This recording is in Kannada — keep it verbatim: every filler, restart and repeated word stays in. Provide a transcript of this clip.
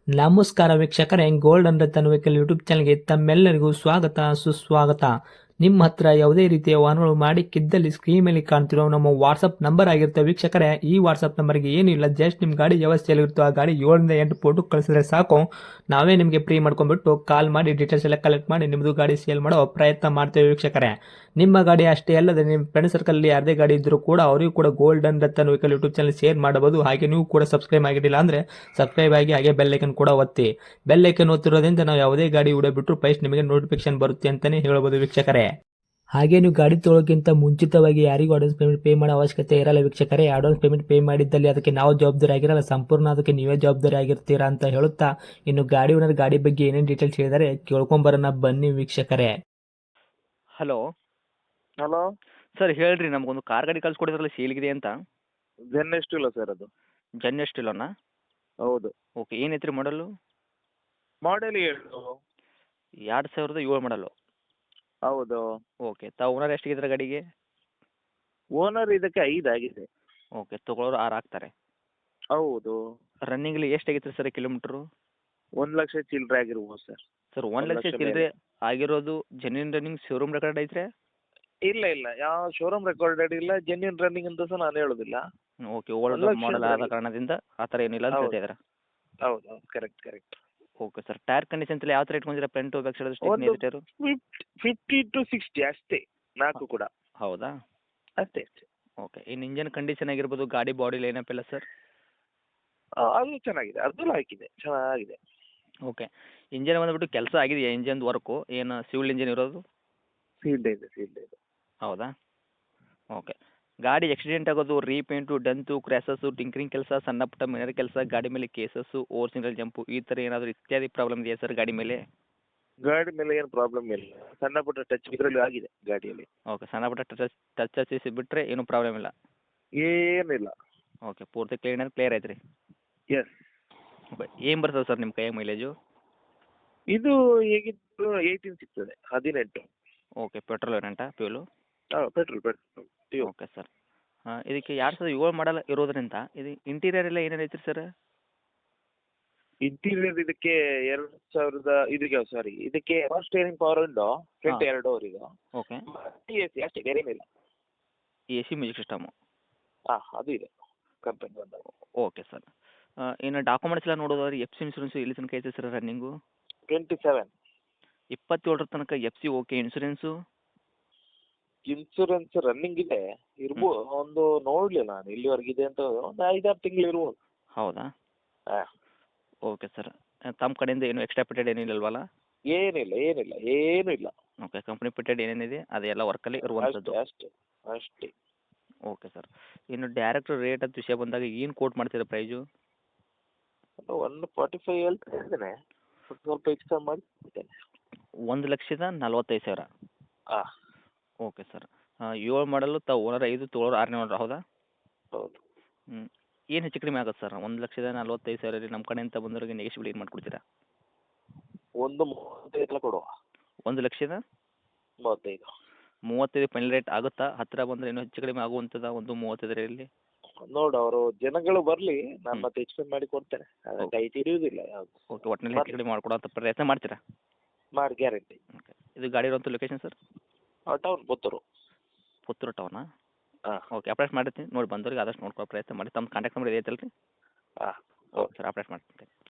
ನಮಸ್ಕಾರ ವೀಕ್ಷಕರೇ, gold and Ratan vehicle YouTube ಚಾನಲ್ಗೆ ತಮ್ಮೆಲ್ಲರಿಗೂ ಸ್ವಾಗತ ಸುಸ್ವಾಗತ. ನಿಮ್ಮ ಹತ್ರ ಯಾವುದೇ ರೀತಿಯ ವಾಹನಗಳು ಮಾಡಿಕ್ಕಿದ್ದಲ್ಲಿ ಸ್ಕ್ರೀನ್ ಮೇಲೆ ಕಾಣ್ತಿರೋ ನಮ್ಮ ವಾಟ್ಸಪ್ ನಂಬರ್ ಆಗಿರುತ್ತೆ ವೀಕ್ಷಕರೇ. ಈ ವಾಟ್ಸಪ್ ನಂಬರ್ಗೆ ಏನಿಲ್ಲ, ಜಸ್ಟ್ ನಿಮ್ಮ ಗಾಡಿ ವ್ಯವಸ್ಥೆಯಲ್ಲಿರುತ್ತೋ ಆ ಗಾಡಿ ಏಳರಿಂದ ಎಂಟು ಫೋಟೋ ಕಳಿಸಿದ್ರೆ ಸಾಕು, ನಾವೇ ನಿಮಗೆ ಫ್ರೀ ಮಾಡ್ಕೊಂಡ್ಬಿಟ್ಟು ಕಾಲ್ ಮಾಡಿ ಡೀಟೇಲ್ಸ್ ಎಲ್ಲ ಕಲೆಕ್ಟ್ ಮಾಡಿ ನಿಮ್ಮದು ಗಾಡಿ ಸೇಲ್ ಮಾಡೋ ಪ್ರಯತ್ನ ಮಾಡ್ತೇವೆ ವೀಕ್ಷಕರೇ. ನಿಮ್ಮ ಗಾಡಿ ಅಷ್ಟೇ ಅಲ್ಲದೆ ನಿಮ್ಮ ಫ್ರೆಂಡ್ ಸರ್ಕಲಲ್ಲಿ ಯಾರದೇ ಗಾಡಿ ಇದ್ದರೂ ಕೂಡ ಅವರಿಗೂ ಕೂಡ gold and Ratan vehicle YouTube channel share ಮಾಡಬಹುದು. ಹಾಗೆ ನೀವು ಕೂಡ ಸಬ್ಸ್ಕ್ರೈಬ್ ಆಗಿರಲಿಲ್ಲ ಅಂದರೆ ಸಬ್ಸ್ಕ್ರೈಬ್ ಆಗಿ ಹಾಗೆ ಬೆಲ್ ಐಕನ್ ಕೂಡ ಒತ್ತಿ. ಬೆಲ್ ಐಕನ್ ಒತ್ತಿರೋದ್ರಿಂದ ನಾವು ಯಾವುದೇ ಗಾಡಿ ವಿಡಿಯೋ ಬಿಟ್ಟರು ಫಸ್ಟ್ ನಿಮಗೆ ನೋಟಿಫಿಕೇಶನ್ ಬರುತ್ತೆ ಅಂತಲೇ ಹೇಳ್ಬೋದು ವೀಕ್ಷಕರೇ. ಹಾಗೆ ನೀವು ಗಾಡಿ ತೊಳೋಕ್ಕಿಂತ ಮುಂಚಿತವಾಗಿ ಯಾರಿಗೂ ಅಡ್ವಾನ್ಸ್ ಪೇಮೆಂಟ್ ಪೇ ಮಾಡೋ ಅವಶ್ಯಕತೆ ಇರಲ್ಲ ವೀಕ್ಷಕರೇ. ಅಡ್ವಾನ್ಸ್ ಪೇಮೆಂಟ್ ಪೇ ಮಾಡಿದ್ದಲ್ಲಿ ಅದಕ್ಕೆ ನಾವು ಜವಾಬ್ದಾರಿ ಆಗಿರಲ್ಲ, ಸಂಪೂರ್ಣ ಅದಕ್ಕೆ ನೀವೇ ಜವಾಬ್ದಾರಿ ಆಗಿರ್ತೀರಾ ಅಂತ ಹೇಳುತ್ತಾ, ಇನ್ನು ಗಾಡಿ ಓನರ್ ಗಾಡಿ ಬಗ್ಗೆ ಏನೇನು ಡೀಟೇಲ್ಸ್ ಹೇಳಿದರೆ ಕೇಳ್ಕೊಂಬರೋಣ ಬನ್ನಿ ವೀಕ್ಷಕರೇ. ಹಲೋ ಹಲೋ ಸರ್, ಹೇಳ್ರಿ, ನಮಗೊಂದು ಕಾರ್ ಗಾಡಿ ಕಳ್ಸಿಕೊಡಿದ್ರಲ್ಲ ಸೇಲ್ಗಿದೆ ಅಂತ. ಜೆನ್ ಎಷ್ಟು ಇಲ್ಲ ಸರ್ ಅದು? ಜನ್ ಎಷ್ಟಿಲ್ಲೋನಾ? ಹೌದು. ಓಕೆ, ಏನೈತ್ರಿ ಮಾಡಲು? ಮಾಡೆಲ್ ಏಳು. ಎರಡು ಸಾವಿರದ ಏಳು ಮಾಡಲು. ಹೌದು. ಓಕೆ, ತಾವು ಓನರ್ ಎಷ್ಟಿಗಿದ್ರೆ ಗಾಡಿಗೆ? ಓನರ್ ಇದಕ್ಕೆ ಐದು ಆಗಿದೆ. ಓಕೆ, ತೊಗೊಳೋರು ಆರು ಆಗ್ತಾರೆ. ಹೌದು. ರನ್ನಿಂಗ್ಲಿ ಎಷ್ಟಾಗಿತ್ತು ಸರ್ ಕಿಲೋಮೀಟ್ರು? ಒಂದು ಲಕ್ಷ ಚಿಲ್ಲರೆ ಆಗಿರ್ಬೋದು ಸರ್. ಸರ್, ಒಂದು ಒಂದ್ ಲಕ್ಷ ಲಕ್ಷ ಚಿಲ್ಲರೆ ಆಗಿರೋದು ಜೆನ್ಯೂನ್ ರನ್ನಿಂಗ್ ಶೋರೂಮ್ ರೆಕಾರ್ಡ್ ಐತ್ರಿ? ಇಲ್ಲ ಇಲ್ಲ, ಯಾವ ಶೋರೂಮ್ ರೆಕಾರ್ಡೆಡ್ ಇಲ್ಲ, ಜೆನ್ಯೂನ್ ರನ್ನಿಂಗ್ ಅಂತ ಸಹ ನಾನು ಹೇಳೋದಿಲ್ಲ. ಓಕೆ, ಒಂದ್ ಓಲ್ಡ್ ಲಕ್ಷ ಮಾಡಲ್ ಆದ running. ಕಾರಣದಿಂದ ಆ ಥರ ಏನಿಲ್ಲ ಅಂತ ಹೌದು. ಹೇಳ್ತಿದ್ದೀರಾ? ಹೌದು ಹೌದು, correct correct. Okay sir, tyre condition ಎಲ್ಲ ಯಾವ ಥರ ಇಟ್ಕೊಂಡಿದ್ದೀರಾ? ಫ್ರಂಟು ಬ್ಯಾಕ್ ಸೈಡ್ ಸ್ಟಿಕ್ನಿ ಒಂದು tyre? Fifty fifty to sixty ಅಷ್ಟೇ, ನಾಲ್ಕು ಕೂಡ ಹೌದಾ? ಅಷ್ಟೇ ಅಷ್ಟೇ. ಓಕೆ, ಇನ್ನು ಇಂಜನ್ ಕಂಡೀಷನ್ ಆಗಿರ್ಬೋದು, ಗಾಡಿ ಬಾಡಿ ಲೈನಪ್ ಎಲ್ಲ ಸರ್? ಆ, ಅದು ಚೆನ್ನಾಗಿದೆ, ಅದು ಹಾಕಿದೆ, ಚೆನ್ನಾಗಿದೆ. ಓಕೆ, ಇಂಜನ್ ಬಂದುಬಿಟ್ಟು ಕೆಲಸ ಆಗಿದೆಯಾ? ಇಂಜನ್ ವರ್ಕು ಏನು ಸಿವಿಲ್ ಇಂಜಿನ್ ಇರೋದು? ಸೀಲ್ಡ್ ಇದೆ ಸೀಲ್ಡ್ ಇದೆ. ಹೌದಾ? ಓಕೆ, ಗಾಡಿ ಆಕ್ಸಿಡೆಂಟ್ ಆಗೋದು, ರೀಪೇಂಟು, ಡಂತು, ಕ್ರ್ಯಾಸಸ್ಸು, ಟಿಂಕ್ರಿಂಗ್ ಕೆಲಸ, ಸಣ್ಣ ಪುಟ್ಟ ಮಿನರ್ ಕೆಲಸ, ಗಾಡಿ ಮೇಲೆ ಕೇಸಸ್ಸು, ಓವರ್ ಸಿಂಗಲ್ ಜಂಪು, ಈ ಥರ ಏನಾದರೂ ಇತ್ಯಾದಿ ಪ್ರಾಬ್ಲಮ್ ಇದೆಯಾ ಸರ್ ಗಾಡಿ ಮೇಲೆ? ಗಾಡಿ ಮೇಲೆ ಏನು ಪ್ರಾಬ್ಲಮ್ ಇಲ್ಲ, ಸಣ್ಣ ಪುಟ್ಟ ಟಚ್ ಇದರಲ್ಲಿ ಆಗಿದೆ ಗಾಡಿಯಲ್ಲಿ. ಓಕೆ, ಸಣ್ಣ ಪುಟ್ಟ ಟಚ್ ಟಚ್ ಹಚ್ಚಿಸಿ ಬಿಟ್ಟರೆ ಏನೂ ಪ್ರಾಬ್ಲಮ್ ಇಲ್ಲ? ಏನಿಲ್ಲ. ಓಕೆ, ಪೂರ್ತಿ ಕ್ಲೀನ್ ಕ್ಲಿಯರ್ ಐತ್ರಿ? ಎಸ್. ಓಕೆ, ಏನು ಬರ್ತದೆ ಸರ್ ನಿಮ್ಮ ಕೈಯಾಗ ಮೈಲೇಜು? ಇದು ಹೇಗಿದ್ರು ಏಯ್ಟೀನ್ ಸಿಗ್ತದೆ, ಹದಿನೆಂಟು. ಓಕೆ, ಪೆಟ್ರೋಲ್ ವೇರಿಯಂಟಾ ಫ್ಯೂಲು? ಹಾಂ, ಪೆಟ್ರೋಲ್ ಪೆಟ್ರೋಲ್ ಟ್ಯೂ. ಓಕೆ ಸರ್, ಹಾಂ, ಇದಕ್ಕೆ ಎರಡು ಸಾವಿರದ ಏಳು ಮಾಡಲ್ ಇರೋದ್ರಿಂದ ಇದು ಇಂಟೀರಿಯರ್ ಎಲ್ಲ ಏನೇನು ಐತ್ರಿ ಸರ್? ಇಂಟೀರಿಯರ್ ಇದಕ್ಕೆ ಎರಡು ಸಾವಿರದ ಇದಕ್ಕೆ ಸಾರಿ ಇದಕ್ಕೆ power steering, power window, front ಹಾ. ಎರಡು ಅವರಿಗೆ ಓಕೆ, ಎ ಸಿ ಅಷ್ಟೇ, ಬೇರೆ ಏನಿಲ್ಲ. A C music system? ಹಾಂ, ಅದು ಇದೆ ಕಂಪನಿ ಬಂದಾಗ. ಓಕೆ ಸರ್, ಇನ್ನು ಡಾಕ್ಯುಮೆಂಟ್ಸ್ ಎಲ್ಲ ನೋಡೋದಾದ್ರೆ ಎಫ್ ಸಿ ಇನ್ಸೂರೆನ್ಸು ಎಲ್ಲಿ ತನಕ ಐತೆ ಸರ್ ರನ್ನಿಂಗು? Twenty seven. ಇಪ್ಪತ್ತೇಳರ ತನಕ F C okay. Insurance? Insurance running ಇದೆ, ಇರ್ಬೋದು, ಒಂದು ನೋಡಲಿಲ್ಲ ನಾನು ಇಲ್ಲಿವರೆಗೆ ಇದೆ ಅಂತ, ಒಂದು ಐದಾರು ತಿಂಗಳು ಇರ್ಬೋದು. ಹೌದಾ? ಹಾಂ. ಓಕೆ ಸರ್, ತಮ್ಮ ಕಡೆಯಿಂದ ಏನು ಎಕ್ಸ್ಟ್ರಾ ಪಿಟೆಡ್ ಏನಿಲ್ಲವಲ್ಲ? ಏನಿಲ್ಲ ಏನಿಲ್ಲ ಏನೂ ಇಲ್ಲ. ಓಕೆ, ಕಂಪ್ನಿ ಪಿಟೆಡ್ ಏನೇನಿದೆ ಅದೆಲ್ಲ ವರ್ಕಲ್ಲಿ ಇರುವಂಥದ್ದು? ಅಷ್ಟೇ ಅಷ್ಟೇ ಅಷ್ಟೇ. ಓಕೆ ಸರ್, ಇನ್ನು ಡೈರೆಕ್ಟ್ ರೇಟ್ ಅಂತ ವಿಷಯ ಬಂದಾಗ ಏನು ಕೋಟ್ ಮಾಡ್ತೀರಾ ಪ್ರೈಸು? ಒನ್ ಫಾರ್ಟಿ ಫೈವ್ ಹೇಳ್ತಾ ಇದ್ದೇನೆ, ಸ್ವಲ್ಪ ಎಕ್ಸ್ಟ್ರಾ ಮಾಡಿ ಕೊಡ್ತೇನೆ. ಒಂದು ಲಕ್ಷದ ನಲ್ವತ್ತೈದು ಸಾವಿರ? ಹಾಂ. ಓಕೆ ಸರ್, ಏಳು ಮಾಡಲು ತಾವು ಓನರ್ ಐದು, ತೊಗೊಳೋರು ಆರನೇ ಓನರ್, ಹೌದಾ? ಹೌದು. ಹ್ಞೂ, ಏನು ಹೆಚ್ಚು ಕಡಿಮೆ ಆಗುತ್ತೆ ಸರ್? ಒಂದು ಲಕ್ಷದ ನಲ್ವತ್ತೈದು ಸಾವಿರ ರೀ, ನಮ್ಮ ಕಡೆಯಿಂದ ಬಂದವರಿಗೆ ನೆಗೆಶ್ಬಿಲ್ ಏನು ಮಾಡಿಕೊಡ್ತೀರಾ? ಒಂದು ಮೂವತ್ತೈದು ಕೊಡುವ. ಒಂದು ಲಕ್ಷದ ಮೂವತ್ತೈದು. ಮೂವತ್ತೈದು ಫೈನಲ್ ರೇಟ್ ಆಗುತ್ತಾ? ಹತ್ತಿರ ಬಂದರೆ ಇನ್ನೂ ಹೆಚ್ಚು ಕಡಿಮೆ ಆಗುವಂಥದ್ದು ಒಂದು ಮೂವತ್ತೈದರಲ್ಲಿ? ನೋಡು, ಅವರು ಜನಗಳು ಬರಲಿ, ನಾನು ಮತ್ತೆ ಎಕ್ಸ್ಪ್ಲೇನ್ ಮಾಡಿ ಕೊಡ್ತೇನೆ, ಕೈ ಹಿಡಿಯುವುದಿಲ್ಲ ಯಾವುದು. ಓಕೆ, ಒಟ್ಟಿನಲ್ಲಿ ಹೆಚ್ಚು ಕಡಿಮೆ ಮಾಡಿಕೊಡೋಂಥ ಪ್ರಯತ್ನ ಮಾಡ್ತೀರಾ? ಮಾಡಿ ಗ್ಯಾರಂಟಿ. ಓಕೆ, ಇದು ಗಾಡಿ ಇರುವಂಥ location sir? Town Puttur. Puttur ಟೌನಾ? ಹಾಂ. ಓಕೆ, ಅಪ್ಡೇಟ್ ಮಾಡಿರ್ತೀನಿ, ನೋಡಿ ಬಂದವರಿಗೆ ಆದಷ್ಟು ನೋಡ್ಕೊಳ್ಳೋ ಪ್ರಯತ್ನ ಮಾಡಿ. ತಮ್ಮ ಕಾಂಟ್ಯಾಕ್ಟ್ ನಂಬರ್ ಇದೆ ಐತಲ್ಲ ರೀ? ಹಾಂ. ಓಕೆ ಸರ್, ಅಪ್ಡೇಟ್ ಮಾಡ್ತೀನಿ.